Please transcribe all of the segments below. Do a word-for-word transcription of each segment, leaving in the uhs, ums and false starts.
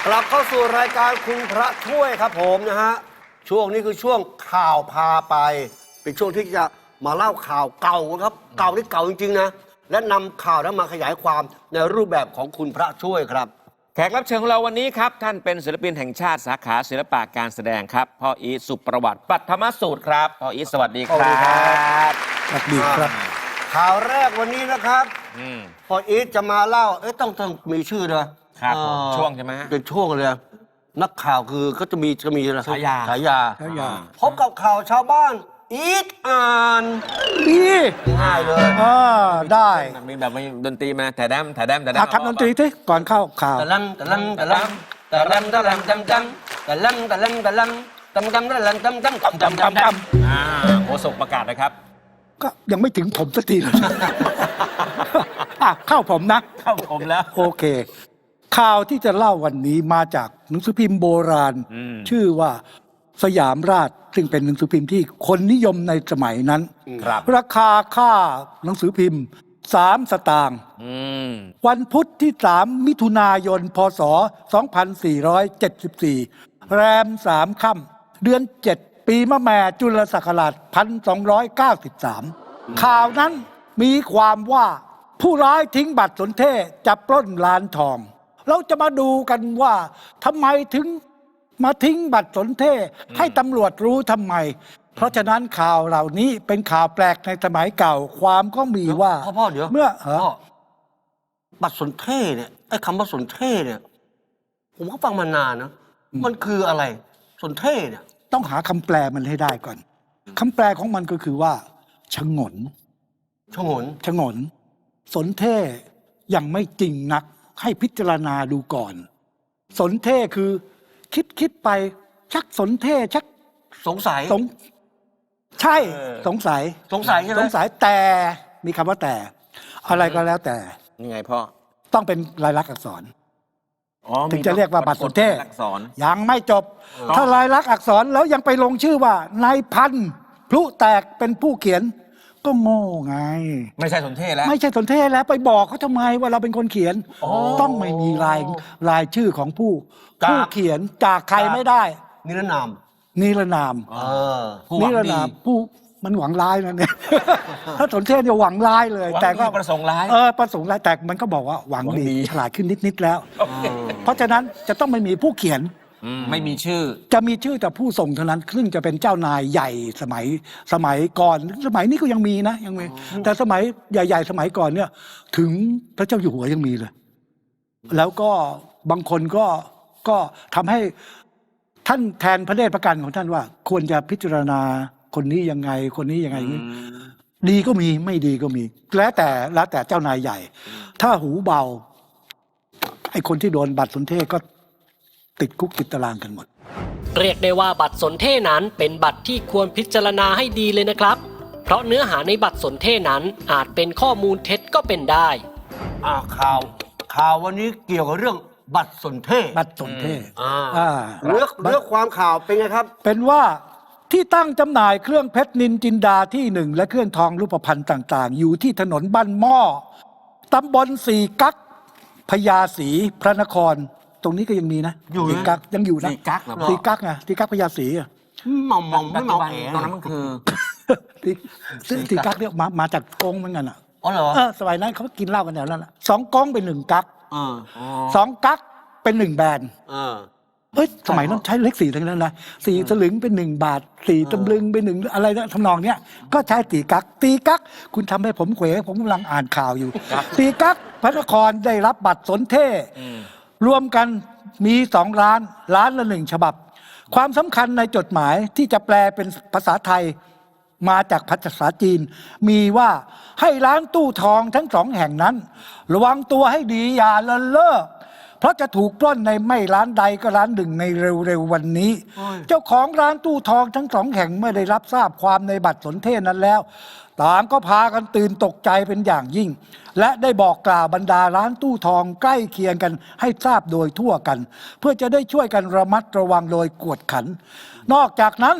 กลับเข้าสู่รายการคุณพระช่วยครับผมนะฮะช่วงนี้คือช่วงข่าวพาไปเป็นช่วงที่จะมาเล่าข่าวเก่าครับเก่าที่เก่าจริงๆนะและนำข่าวนั้นมาขยายความในรูปแบบของคุณพระช่วยครับแขกรับเชิญของเราวันนี้ครับท่านเป็นศิลปินแห่งชาติสาขาศิลปะการแสดงครับพ่ออีทสุประวัติปัทมสูตรครับพ่ออีทสวัสดีครับสวัสดีครับข่าวแรกวันนี้นะครับพออีทจะมาเล่าเอ๊ะต้องต้องมีชื่อด้วยครับช่วงใช่ไหมเป็นช่วงเลยนักข่าวคือก็จะมีจะมีอะไรฉายาฉายาพบกับข่าวชาวบ้านอีทอ่านนี่ง่ายเลยอ่าได้มีแบบมีดนตรีมาแต่แดมแต่แดมแต่แดมทำดนตรีที่ก่อนเข้าข่าวตะลังตะลังตะลังตะลังตะลังจำจำตะลังตะลังตะลังจำจำตะลังจำจำจำจำจำจำอ่าโฆษกประกาศนะครับก็ยังไม่ถึงผมสักทีเลยอ่ะเข้าผมนะเข้าผมแล้วโอเคข่าวที่จะเล่าวันนี้มาจากหนังสือพิมพ์โบราณชื่อว่าสยามราชซึ่งเป็นหนังสือพิมพ์ที่คนนิยมในสมัยนั้นราคาค่าหนังสือพิมพ์สามสตางค์วันพุธที่สามมิถุนายนพศสองพันสี่ร้อยเจ็ดสิบสี่แรมสามค่ำเดือนเจ็ดปีมะแม่จุลศักราชหนึ่งพันสองร้อยเก้าสิบสามข่าวนั้นมีความว่าผู้ร้ายทิ้งบัตรสนเทศจะปล้นร้านทองเราจะมาดูกันว่าทำไมถึงมาทิ้งบัตรสนเทศให้ตำรวจรู้ทำไมเพราะฉะนั้นข่าวเหล่านี้เป็นข่าวแปลกในสมัยเก่าความก็มีว่าพ่อพ่อเดี๋ยวเมื่อบัตรสนเทศเนี่ยไอ้คำว่าสนเทศเนี่ยผมก็ฟังมานานนะมันคืออะไรสนเทศเนี่ยต้องหาคำแปลมันให้ได้ก่อนคำแปลของมันก็คือว่าฉงนฉงนฉงนสนเทศยังไม่จริงนักให้พิจารณาดูก่อนสนเทศคือคิดคิดไปชักสนเทศชักสงสัยสงใช่สงสัยสงสัยใช่ไหมสงสัยแต่มีคำว่าแต่อะไรก็แล้วแต่ยังไงพ่อต้องเป็นลายลักษณ์อักษรถึงจะเรียกว่าบัตรสนเทศยังไม่จบถ้าลายลักษณ์อักษรแล้วยังไปลงชื่อว่านายพันธุ์พลุแตกเป็นผู้เขียนก็โง่ไงไม่ใช่สนเทศแล้วไม่ใช่สนเทศแล้วไปบอกเขาทำไมว่าเราเป็นคนเขียนต้องไม่มีรายรายชื่อของผู้ผู้เขียนจากใครไม่ได้นิรนามนิรนามนิรนามผู้มันหวังร้ายนะเนี่ยถ้าสนเทศจะหวังร้ายเลยแต่ก็ประสงค์ร้ายเออประสงค์ร้ายแต่มันก็บอกว่าหวังดีฉลาดขึ้นนิดๆแล้วเพราะฉะนั้นจะต้องไม่มีผู้เขียนไม่มีชื่อจะมีชื่อแต่ผู้ส่งเท่านั้นซึ่งจะเป็นเจ้านายใหญ่สมัยสมัยก่อนสมัยนี้ก็ยังมีนะยังมีแต่สมัยใหญ่ๆสมัยก่อนเนี่ยถึงพระเจ้าอยู่หัวยังมีเลยแล้วก็บางคนก็ก็ทำให้ท่านแทนพระเดชพระกันของท่านว่าควรจะพิจารณาคนนี้ยังไงคนนี้ยังไงดีก็มีไม่ดีก็มีแล้วแต่แล้วแต่เจ้านายใหญ่ถ้าหูเบาไอ้คนที่โดนบัตรสนเทศก็ติดคุกติดตารางกันหมดเรียกได้ว่าบัตรสนเทศนั้นเป็นบัตรที่ควรพิจารณาให้ดีเลยนะครับเพราะเนื้อหาในบัตรสนเทศนั้นอาจเป็นข้อมูลเท็จก็เป็นได้อ่าข่าวข่าววันนี้เกี่ยวกับเรื่องบัตรสนเทศบัตรสนเทศอ่าเลือกเลือกความข่าวเป็นไงครับเป็นว่าที่ตั้งจำหน่ายเครื่องเพชรนินจินดาที่หนึ่งและเครื่องทองรูปพรรณต่างๆอยู่ที่ถนนบ้านหม้อตำบลสี่กั๊กพญาศรีพระนครตรงนี้ก็ยังมีนะสี่กั๊กยังอยู่นะสี่กั๊กเหรอสี่กั๊กไงสี่กั๊กพญาศรีอ่ะมองมองไม่มองเอ๋ตรงนั้นมันคือสี่กั๊กเนี่ยมามาจากกงเหมือนกันอ่ะอ๋อเหรอเออสมัยนั้นเขากินเหล้ากันแถวนั้นแหละสองกงเป็นหนึ่งกั๊กสองกั๊กเป็นหนึ่งแบนเฮ้ยสมัยนั้นใช้เลขสี่ทั้งนั้นนะสี่สลึงเป็นหนึ่งบาทสี่ตำลึงเป็นหนึ่งอะไรนะทำนองเนี้ยก็ใช้ตีกักตีกักคุณทำให้ผมเขวผมกำลังอ่านข่าวอยู่ตีกักพระนครได้รับบัตรสนเทศรวมกันมีสองล้านล้านละหนึ่งฉบับความสำคัญในจดหมายที่จะแปลเป็นภาษาไทยมาจากภาษาจีนมีว่าให้ร้านตู้ทองทั้งสองแห่งนั้นระวังตัวให้ดีอย่าละเลิกเพราะจะถูกปล้นในไม่ร้านใดก็ร้านหนึ่งในเร็วๆวันนี้เจ้าของร้านตู้ทองทั้งสองแห่งเมื่อได้รับทราบความในบัตรสนเทศนั้นแล้วต่างก็พากันตื่นตกใจเป็นอย่างยิ่งและได้บอกกล่าวบรรดาร้านตู้ทองใกล้เคียงกันให้ทราบโดยทั่วกันเพื่อจะได้ช่วยกันระมัดระวังโดยกวดขันนอกจากนั้น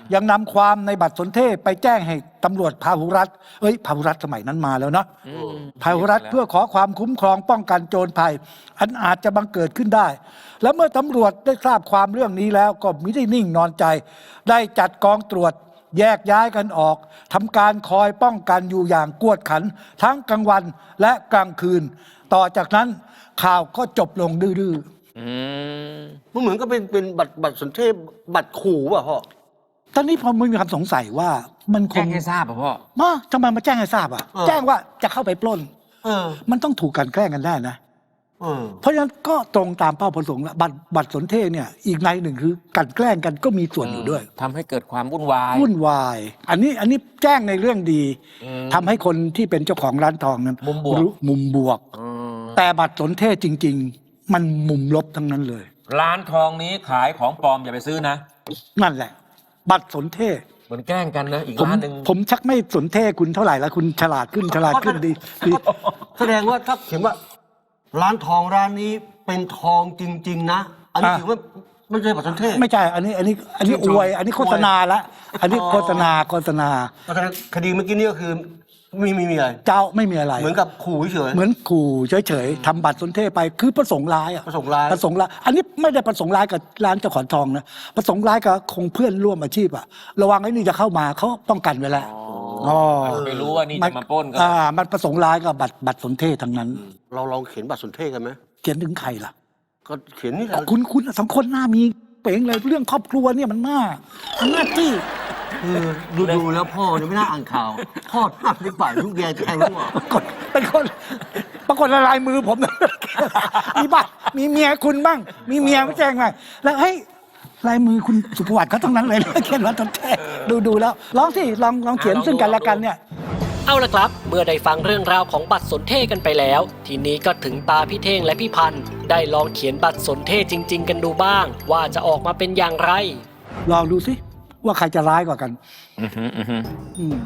ยังนำความในบัตรสนเทศไปแจ้งให้ตำรวจพาหุรัฐเอ้ยพาหุรัฐสมัยนั้นมาแล้วเนาะอืมพาหุรัฐเพื่อขอความคุ้มครองป้องกันโจรภัย อันอาจจะบังเกิดขึ้นได้ แล้วเมื่อตำรวจได้ทราบความเรื่องนี้แล้วก็มิได้นิ่งนอนใจ ได้จัดกองตรวจแยกย้ายกันออกทำการคอยป้องกันอยู่อย่างกวดขัน ทั้งกลางวันและกลางคืน ต่อจากนั้นข่าวก็จบลงดื้ออืมมันเหมือนก็เป็นเป็นบัตรบัตรสนเทศบัตรขู่ป่ะพ่อๆตอนนี้พอมันมีความสงสัยว่ามันคแจ้งงให้ทราบป่ะพ่อมาทำไมมาแจ้งให้ทราบอ่ะเออแจ้งว่าจะเข้าไปปล้นเออมันต้องถูกกลันแกล้งกันได้นะเออเพราะฉะนั้นก็ตรงตามเป้าประสงค์แล้วบัตรบัตรสนเทศเนี่ยอีกในหนึ่งคือกลันแกล้งกันก็มีส่วนอยู่ด้วยทำให้เกิดความวุ่นวายวุ่นวาย อันนี้อันนี้แจ้งในเรื่องดีอืมทำให้คนที่เป็นเจ้าของร้านทองนั้นมุมบวกรู้มุมบวกอืมแต่บัตรสนเทศจริง ๆ มันมุมลบทั้งนั้นเลยร้านทองนี้ขายของปลอมอย่าไปซื้อนะนั่นแหละ บัตรสนเทศเหมือนแกล้งกันนะ อีกผมร้านหนึ่งผมชักไม่สนเทศคุณเท่าไหร่แล้วคุณฉลาดขึ้นฉลาดขึ้นดีดีแสดงว่าถ้าเขียนว่า ร้านทองร้านนี้เป็นทองจริง ๆ นะ อันนี้ถือว่าไม่ใช่บัตรสนเทศไม่ใช่ อันนี้อันนี้อันนี้ชื่อนชมวย อันนี้โฆษณาละอันนี้อ๋อโฆษณาโฆษณาเพราะฉะนั้นคดีเมื่อกี้นี่ก็คือมีมีมีอะไรเจ้าไม่มีอะไรเหมือนกับขู่เฉยเหมือนขู่เฉยๆทำบัตรสนเทศไปคือประสงค์ร้ายอะประสงค์ร้ายประสงค์ร้ายอันนี้ไม่ได้ประสงค์ร้ายกับร้านเจ้าของทองนะประสงค์ร้ายกับคงเพื่อนร่วมอาชีพอะระวังไอ้นี่จะเข้ามาเขาป้องกันไว้แล้วอ๋อไม่รู้ว่านี่จะมาปล้นก็อ่ามันประสงค์ร้ายกับบัตรบัตรสนเทศทั้งนั้นๆเราลองเขียนบัตรสนเทศกันไหมเขียนถึงใครล่ะก็เขียนนี่แหละคุณคุณสองคนหน้ามีเป๋งเลยเรื่องครอบครัวเนี่ยมันน่ามันน่าจี้คือดูดูแล้วพ่อเนี่ยไม่น่าอ่านข่าวพ่อหน้าที่ป่ายลูกแกแทงลูกอ่ะปรากฏเป็นคนปรากฏละลายมือผม มีบ้างมีเมียคุณบ้าง มีเมียไม่แจ้งไงแล้วเฮ้ยลายมือคุณสุภวัตเขาทั้งนั้นเลย เขียนว่าต้องแท้ดูดูแล้วลองสิลองลองเขียนอ่ะลองดูซึ่งกันและกันเนี่ยเอาละครับ เมื่อได้ฟังเรื่องราวของบัตรสนเทศกันไปแล้ว ทีนี้ก็ถึงตาพี่เท่งและพี่พันธ์ได้ลองเขียนบัตรสนเทศจริง ๆ กันดูบ้าง ว่าจะออกมาเป็นอย่างไรลองดูสิว่าใครจะร้ายกว่ากันอือหืออือหืออืม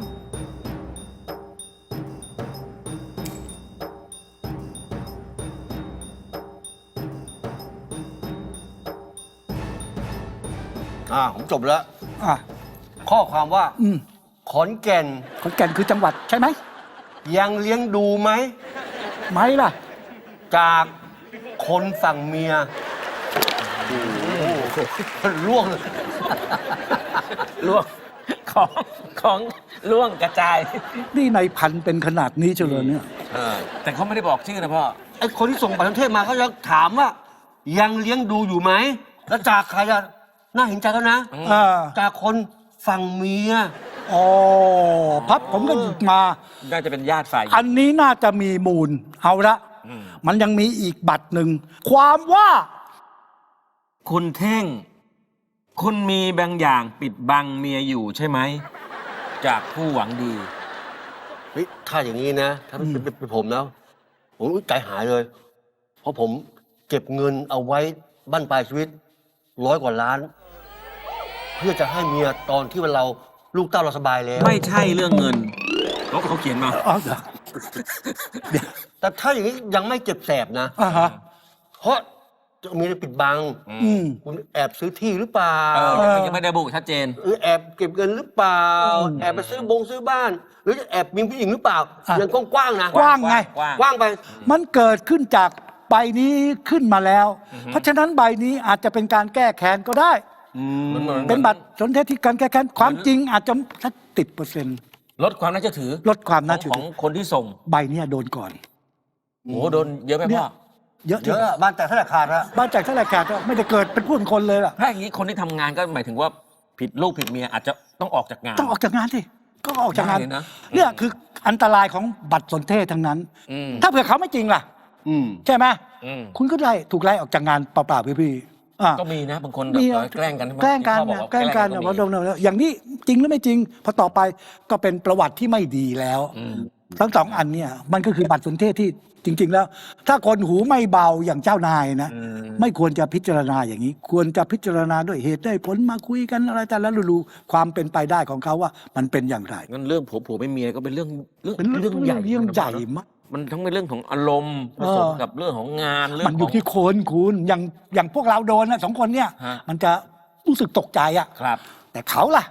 อ่าผมจบแล้วอ่ะข้อความว่าอืมขอนแก่นขอนแก่นคือจังหวัดใช่ไหมยังเลี้ยงดูไหมไหมล่ะจากคนฝั่งเมียโอ้โหล่วงเลยล่วงของของล่วงกระจายนี่ในพันเป็นขนาดนี้เฉลยเนี่ยแต่เขาไม่ได้บอกชื่อนะพ่อไอ้คนที่ส่งบัตรประเทศมาเขาจะถามว่า ยังเลี้ยงดูอยู่ไหม แล้วจากใครอะน่าเห็นใจแล้วนะอ่าจากคนฝั่งเมียอ๋อพับผมก็หยิบมาน่าจะเป็นญาติฝ่ายหญิงอันนี้น่าจะมีมูล เอาละอืมมันยังมีอีกบัตรหนึ่ง ความว่าคุณเท่ง คุณมีบางอย่างปิดบังเมียอยู่ใช่ไหม จากผู้หวังดีเฮ้ยถ้าอย่างนี้นะ ถ้าเป็นเป็นเป็นผมนะ ผมใจหายเลย เพราะผมเก็บเงินเอาไว้บั้นปลายชีวิตร้อยกว่าล้าน เพื่อจะให้เมียตอนที่เราลูกเต้าเราสบายแล้วไม่ใช่เรื่องเงินเขาเขาเขียนมาอ๋อเหรอแต่ถ้าอย่างนี้ยังไม่เจ็บแสบนะอ่าฮะเพราะจะมีอะไรปิดบังอืมคุณแอบซื้อที่หรือเปล่าเออยังไม่ยังไม่ได้ระบุชัดเจนหรือแอบเก็บเงินหรือเปล่าอืมแอบไปซื้อบงซื้อบ้าน หรือจะแอบมีผู้หญิงหรือเปล่าอ่ะยังกว้างๆนะกว้างไงกว้างกว้างไปมันเกิดขึ้นจากใบนี้ขึ้นมาแล้ว เพราะฉะนั้นใบนี้อาจจะเป็นการแก้แค้นก็ได้มันเหมือนเป็นบัตรสนเทศที่การแก้แค้นความจริงอาจจะสักติดเปอร์เซ็นต์ลดความน่าเชื่อถือลดความน่าเชื่อของถือคนที่ส่งใบเนี้ยโดนก่อนโอ้โหโดนเยอะไหมเนี่พ่ยอเยอะเยที่อะอะบ้านแตกเท่าไหร่ขาดละบ้านจากเท่าไหร่ขาดก็ไม่ได้เกิดเป็นผู้เป็นคนเลยล่ะถ้าอย่างนี้คนที่ทำงานก็หมายถึงว่าผิดลูกผิดเมียอาจจะต้องออกจากงานต้องออกจากงานสิก็ออกจากงานได้เลยนะเนี่ยคืออันตรายของบัตรสนเทศทั้งนั้นอืมถ้าเผื่อเขาไม่จริงล่ะอืมใช่ไหมอืมคุณก็ไล่ถูกไล่ออกจากงานเปล่าๆพี่ๆอ่ะก็มีนะบางคนแบบมีเออแกล้งกันใช่ไหมแกล้งกันที่พ่อบอกนะว่าแกล้งกันก็ว่ามีโดนๆอย่างนี้จริงหรือไม่จริงพอต่อไปก็เป็นประวัติที่ไม่ดีแล้วอืมทั้งสองอันเนี่ยมันก็คือบัตรสนเทศที่จริง ๆ แล้ว ถ้าคนหูไม่เบาอย่างเจ้านายนะอืมไม่ควรจะพิจารณาอย่างนี้ ควรจะพิจารณาด้วยเหตุได้ผลมาคุยกันอะไรแต่ละรู้ๆความเป็นไปได้ของเขาว่ามันเป็นอย่างไรงั้นเรื่องผัวผัวไม่เมียก็เป็นเรื่องเรื่องเป็นเรื่องเรื่องใหญ่เรื่องใหญ่มากมันทั้งเป็นเรื่องของอารมณ์ผสมเออกับเรื่องของงานเรื่อมันงอขยู่องที่คนคุณอย่างอย่างพวกเราโดนนะสองคนเนี่ยฮะมันจะรู้สึกตกใจอะครับแต่เขาล่ะ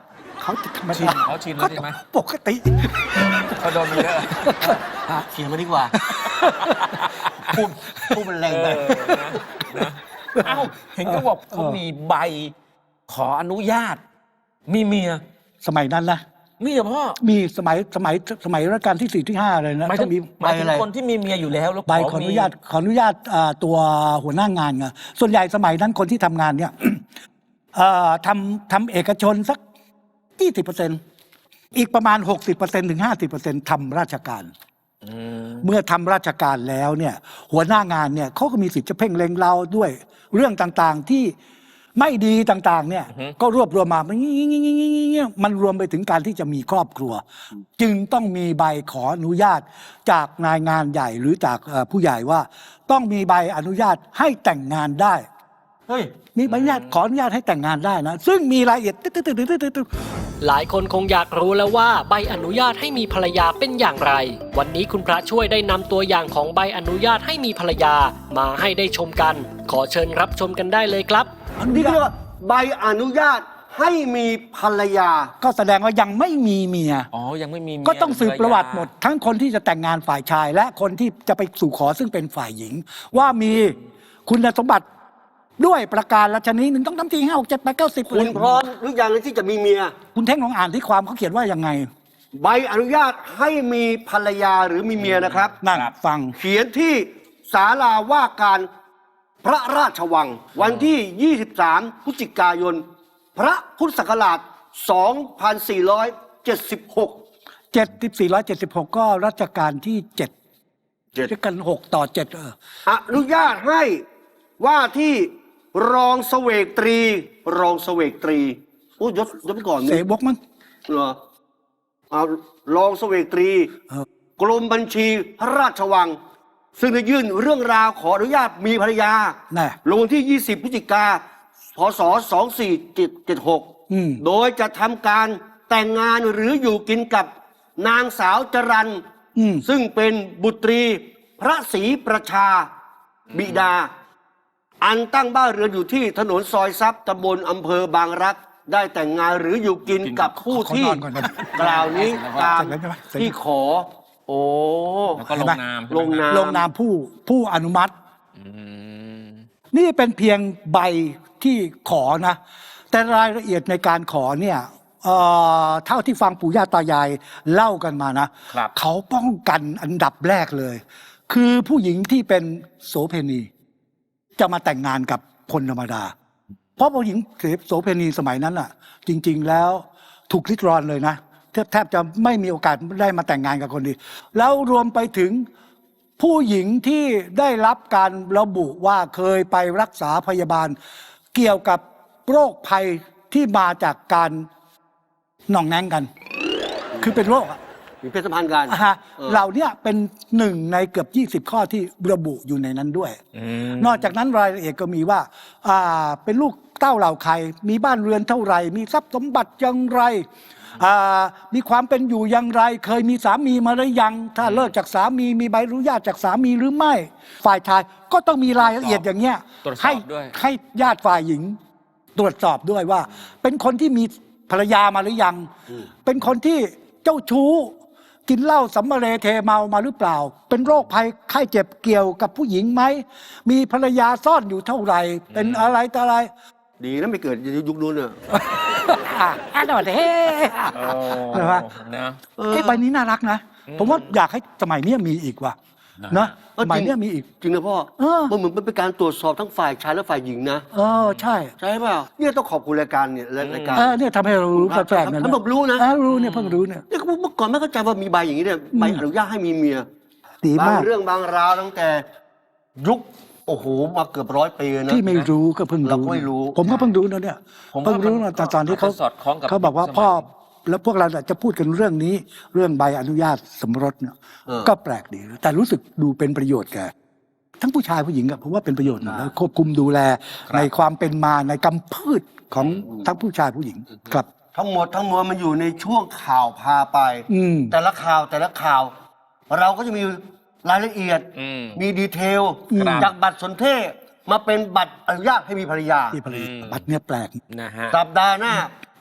เขาธรรมชินดาเขาชินแล้วใช่ไหมปกติเขาโดนมาเยอะเขียนมาดีกว่า พูดพูดมันแรงไปเออนะนะเอ้าเห็นเขาบอกเขามีใบขออนุญาต มีเมียสมัยนั้นนะมีเหรอพ่อมีสมัยสมัยสมัยรัชกาลที่สี่ที่ห้าเลยนะหมายต้ถึอง งมีหมายถึงใบอะไรคนที่มีเมียอยู่แล้วแล้วใบขออนุญาตขออนุญาตอ่าตัวหัวหน้างานไงส่วนใหญ่สมัยนั้นคนที่ทำงานเนี่ย เอ่อทำทำเอกชนสักยี่สิบเปอร์เซ็นต์อีกประมาณหกสิบเปอร์เซ็นต์ถึงห้าสิบเปอร์เซ็นต์ทำราชการอืมเมื่อทำราชการแล้วเนี่ยหัวหน้างานเนี่ยเขาก็มีสิทธิ์จะเพ่งเล็งเราด้วยเรื่องต่างๆที่ไม่ดีต่างๆเนี่ยก็รวบรวมมามันมันรวมไปถึงการที่จะมีครอบครัว จึงต้องมีใบขออนุญาตจากนายงานใหญ่หรือจากเอ่อผู้ใหญ่ว่าต้องมีใบอนุญาตให้แต่งงานได้เฮ้ยมีใบอนุญาตขออนุญาตให้แต่งงานได้นะซึ่งมีรายละเอียดตึ๊ดๆๆๆหลายคนคงอยากรู้แล้วว่าใบอนุญาตให้มีภรรยาเป็นอย่างไร วันนี้คุณพระช่วยได้นำตัวอย่างของใบอนุญาตให้มีภรรยามาให้ได้ชมกัน ขอเชิญรับชมกันได้เลยครับนี่เรียกว่าใบอนุญาตให้มีภรรยาก็แสดงว่ายังไม่มีเมียอ๋อ ยังไม่มีเมียก็ต้องสืบประวัติหมดภยทั้งคนที่จะแต่งงานฝ่ายชาย และคนที่จะไปสู่ขอซึ่งเป็นฝ่ายหญิง ว่ามีคุณสมบัติด้วยประการละชนิดหนึ่งต้องทำทีห้าหกเจ็ดแปดเก้าสิบคุณพร้อมหรือยังที่จะมีเมียคุณเท่งลองอ่านที่ความเขาเขียนว่ายังไงใบอนุญาตให้มีภรรยาหรือมีเมียนะครับนั่นฟังเขียนที่ศาลาว่าการพระราชวัง วันที่ ยี่สิบสาม พฤศจิกายน พระพุทธศักราช สองพันสี่ร้อยเจ็ดสิบหกเจ็ดสิบสี่ร้อยเจ็ดสิบหกก็รัชกาลที่เจ็ดเจ็ดด้วยกันหกต่อเจ็ดเอออนุญาตให้ว่าที่รองเสวกตรี รองเสวกตรีโอ้ยยศยศไปก่อนเสนี่บกมั้งเหรอเอารองเสวกตรีเออกรมบัญชีพระราชวัง ซึ่งได้ยื่นเรื่องราวขออนุญาตมีภรรยาน่ะลงวันที่ ยี่สิบ พฤศจิกา พศ สองสี่เจ็ดหกอืมโดยจะทำการแต่งงานหรืออยู่กินกับนางสาวจรันอืมซึ่งเป็นบุตรีพระศรีประชาบิดา อันตั้งบ้านเรือนอยู่ที่ถนนซอยทรัพย์ตำบลอำเภอบางรัก ได้แต่งงานหรืออยู่กินกับผู้ที่ขอนอนก่อนนะกล่าวนี้ตามเสร็จแล้วใช่ไหมเสร็จแล้วที่ขอ โอ้แล้วก็ลงนามลงนามลงนามผู้ผู้อนุมัติอืมนี่เป็นเพียงใบที่ขอนะ แต่รายละเอียดในการขอเนี่ยเอ่อเท่าที่ฟังปู่ย่าตายายเล่ากันมานะครับ เขาป้องกันอันดับแรกเลย คือผู้หญิงที่เป็นโสเภณี จะมาแต่งงานกับคนธรรมดา เพราะผู้หญิงโสเภณีสมัยนั้นอ่ะ จริง ๆ แล้วถูกลิดรอนเลยนะแทบแทบจะไม่มีโอกาสได้มาแต่งงานกับคนดีแล้วรวมไปถึงผู้หญิงที่ได้รับการระบุว่าเคยไปรักษาพยาบาล เกี่ยวกับโรคภัยที่มาจากการหน่องแนงกัน คือเป็นโรคอะมีเพศสัมพันธ์กันอ่าฮะเออเหล่าเนี้ยเป็นหนึ่งในเกือบยี่สิบข้อที่ระบุอยู่ในนั้นด้วยอืมนอกจากนั้นรายละเอียดก็มีว่าอ่าเป็นลูกเต้าเหล่าใคร มีบ้านเรือนเท่าไหร่ มีทรัพย์สมบัติอย่างไรอ่ามีความเป็นอยู่อย่างไร เคยมีสามีมาหรือยัง ถ้าเลิกจากสามีมีใบอนุญาตจากสามีหรือไม่ ฝ่ายชายก็ต้องมีรายละเอียดอย่างเงี้ยตรวจสอบให้ด้วยให้ญาติฝ่ายหญิง ตรวจสอบด้วยว่า เป็นคนที่มีภรรยามาหรือยัง เป็นคนที่เจ้าชู้ กินเหล้าสัมมาเรเทเมามาหรือเปล่า เป็นโรคภัยไข้เจ็บเกี่ยวกับผู้หญิงไหม มีภรรยาซ่อนอยู่เท่าไหร่ เป็นอะไรต่ออะไรดีนะไม่เกิดยุคนู้นเนี่ยอ่ะอ่ะหน่อยเฮ้โอ้ใช่ปะนะเออไอ้ใบนี้น่ารักนะ ผมว่าอยากให้สมัยเนี้ยมีอีกว่ะนะนะเออสมัยจริงเนี้ยมีอีกจริงนะพ่อเออมันเหมือนเป็นการตรวจสอบทั้งฝ่ายชายและฝ่ายหญิงนะเออใช่ใช่เปล่าเนี่ยต้องขอบคุณรายการเนี่ยรายการเออเนี่ยทำให้เรารู้แปลกๆนะทำผมรู้นะเออรู้เนี่ยเพิ่งรู้เนี่ยเนี่ยเมื่อก่อนไม่เข้าใจว่ามีใบอย่างนี้เนี่ยใบอนุญาตให้มีเมียดีบามาง กเรื่องบางราวตั้งแต่ยุคโอ้โหมาเกือบร้อยปีนะที่ไม่รู้ก็เพิ่งเราก็ไม่รู้ผมก็เพิ่งรู้นะเนี่ยผมว่าเพิ่งรู้นะตอนตอนที่เขาอาจจะสอดคล้องกับเขาบอกว่าสมัยพ่อแล้วพวกเราจะพูดกันเรื่องนี้ เรื่องใบอนุญาตสมรสเนี่ยเออก็แปลกดี แต่รู้สึกดูเป็นประโยชน์แกทั้งผู้ชายผู้หญิงอะผมว่าเป็นประโยชน์นะแล้วควบคุมดูแลในความเป็นมาในกำพืชของทั้งผู้ชายผู้หญิงครับทั้งหมดทั้งมวลมันอยู่ในช่วงข่าวพาไปอืมแต่ละข่าวแต่ละข่าว เราก็จะมีรายละเอียดอืมมีดีเทลครับจากบัตรสนเทศมาเป็นบัตรอนุญาตให้มีภรรยาที่ผลิตอืมบัตรเนี่ยแปลกนะฮะสัปดาห์หน้า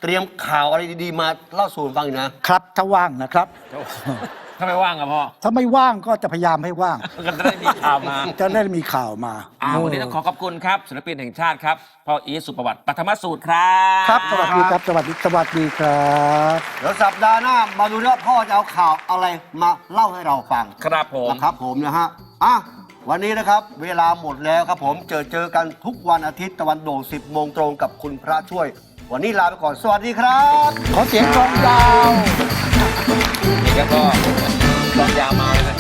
เตรียมข่าวอะไรดีๆมาเล่าสู่กันฟังอีกนะครับถ้าว่างนะครับถ้าไม่ว่างอะพ่อถ้าไม่ว่างก็จะพยายามให้ว่างก็จะได้มีข่าวมาจะได้มีข่าวมาอ่าวันนี้ต้องขอขอบคุณครับศิลปินแห่งชาติครับพ่ออีทสุประวัติปัทมสูตรครับครับสวัสดีครับสวัสดีสวัสดีครับเดี๋ยวสัปดาห์หน้ามาดูว่าพ่อจะเอาข่าวอะไรมาเล่าให้เราฟังครับผมนะครับผมนะฮะอ่ะวันนี้นะครับเวลาหมดแล้วครับผมเจอเจอกันทุกวันอาทิตย์ตะวันโด่งสิบโมงตรงกับคุณพระช่วย วันนี้ลาไปก่อนสวัสดีครับขอเสียงกลองยาวนี่ก็ก็ลองยาวมาเลยนะ